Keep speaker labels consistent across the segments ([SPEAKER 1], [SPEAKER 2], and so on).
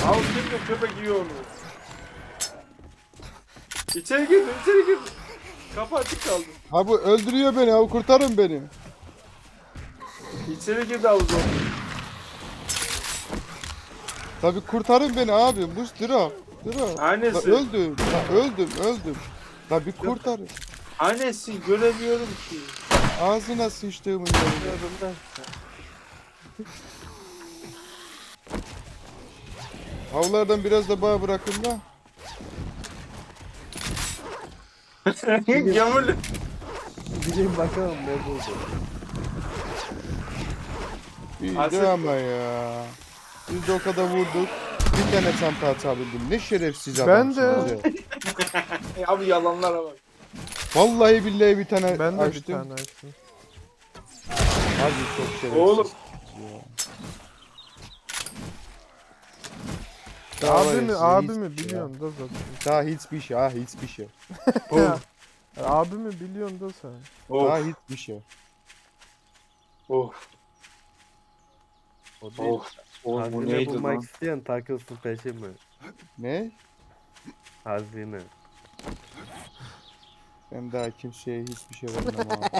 [SPEAKER 1] Al şimdi köpek yiyor onu. İçeri girdi, içeri girdi. Kapı açık kaldı.
[SPEAKER 2] Abi öldürüyor beni abi, kurtarın beni.
[SPEAKER 1] İçeri girdi havuza.
[SPEAKER 2] Tabi kurtarın beni abi. Mus Dira. Dira. La
[SPEAKER 1] Annesi.
[SPEAKER 2] öldüm. La öldüm. La bir kurtarın.
[SPEAKER 1] Annesi göremiyorum ki.
[SPEAKER 2] Ağzına sıçtığımın yerine. Avlardan biraz da bağ bırakın da.
[SPEAKER 1] Gömülü.
[SPEAKER 3] Gideyim bakalım ne buldu.
[SPEAKER 2] İyiydi
[SPEAKER 1] Aslında-
[SPEAKER 2] ama ya. Biz de o kadar vurduk. Bir tane çanta atabildim. Ne şerefsiz
[SPEAKER 4] Ben de.
[SPEAKER 2] adamsınız ya.
[SPEAKER 1] Abi yalanlara bak.
[SPEAKER 2] Vallahi billahi bir tane
[SPEAKER 4] Ben de bir
[SPEAKER 2] açtım.
[SPEAKER 4] tane açtım.
[SPEAKER 2] Abi çok şerefsiz.
[SPEAKER 1] Oğlum.
[SPEAKER 2] Daha var ya,
[SPEAKER 4] Abimi,
[SPEAKER 2] size
[SPEAKER 4] abimi
[SPEAKER 2] hiçbir şey
[SPEAKER 4] biliyorsun da zaten.
[SPEAKER 2] Daha hiçbir şey, hiçbir şey.
[SPEAKER 1] Of.
[SPEAKER 4] Abimi biliyorsun da sen.
[SPEAKER 2] Daha
[SPEAKER 1] Of.
[SPEAKER 2] hiçbir şey.
[SPEAKER 1] Of.
[SPEAKER 3] O değil.
[SPEAKER 1] Of. Oğlum bu
[SPEAKER 3] Hazine
[SPEAKER 1] neydi
[SPEAKER 3] bulmak
[SPEAKER 1] lan?
[SPEAKER 3] isteyen takılsın peşime.
[SPEAKER 2] Ne?
[SPEAKER 3] Hazine.
[SPEAKER 2] Ben daha kimseye hiçbir şey vermem abi.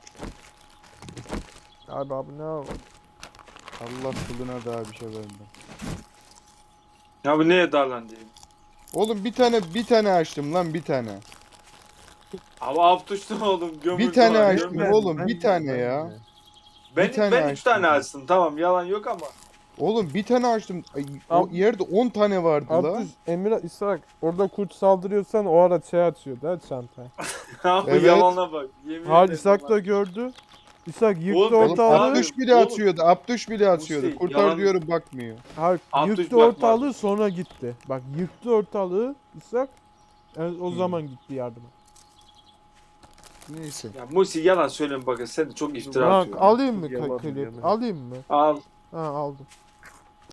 [SPEAKER 4] Abi ne var?
[SPEAKER 2] Allah kuluna daha bir şey vermem.
[SPEAKER 1] Ya bu neye darlan diyeyim.
[SPEAKER 2] Oğlum bir tane açtım lan, bir tane.
[SPEAKER 1] Abi av tuştu oğlum gömüldü.
[SPEAKER 2] Bir tane
[SPEAKER 1] var,
[SPEAKER 2] açtım
[SPEAKER 1] gömüldü.
[SPEAKER 2] oğlum, bir tane ya.
[SPEAKER 1] Ben,
[SPEAKER 2] bir tane
[SPEAKER 1] ben 3
[SPEAKER 2] açtım.
[SPEAKER 1] tane açtım tamam yalan yok ama.
[SPEAKER 2] Oğlum bir tane açtım. Ay, o
[SPEAKER 4] Ab-
[SPEAKER 2] yerde 10 tane vardı la.
[SPEAKER 4] Abdüz, Emir, İshak orada kurt saldırıyorsan o ara şey atıyor da çanta.
[SPEAKER 1] Abi
[SPEAKER 2] Evet.
[SPEAKER 1] yalana bak. Yemin
[SPEAKER 4] Hayır
[SPEAKER 1] ederim
[SPEAKER 4] İshak
[SPEAKER 1] lan.
[SPEAKER 4] da gördü. İshak yıktı
[SPEAKER 1] Oğlum,
[SPEAKER 2] Oğlum
[SPEAKER 4] ortalığı.
[SPEAKER 1] abi-
[SPEAKER 2] Abdüş bile
[SPEAKER 1] oğlum.
[SPEAKER 2] atıyordu. Abdüş bile atıyordu.
[SPEAKER 1] Musi,
[SPEAKER 2] Kurtar
[SPEAKER 1] yalan-
[SPEAKER 2] diyorum bakmıyor.
[SPEAKER 4] Hayır
[SPEAKER 1] Abdüz
[SPEAKER 4] yıktı
[SPEAKER 1] bırakmaz.
[SPEAKER 4] ortalığı sonra gitti. Bak yıktı ortalığı İshak. Yani o zaman gitti yardıma.
[SPEAKER 2] Neyse.
[SPEAKER 1] Ya Musi yalan söyleme bakın sen de çok iftira
[SPEAKER 4] Bak
[SPEAKER 1] atıyorsun.
[SPEAKER 4] alayım mı
[SPEAKER 3] Yalan
[SPEAKER 4] klip?
[SPEAKER 3] yalan.
[SPEAKER 4] Alayım mı?
[SPEAKER 1] Al.
[SPEAKER 4] Ha aldım.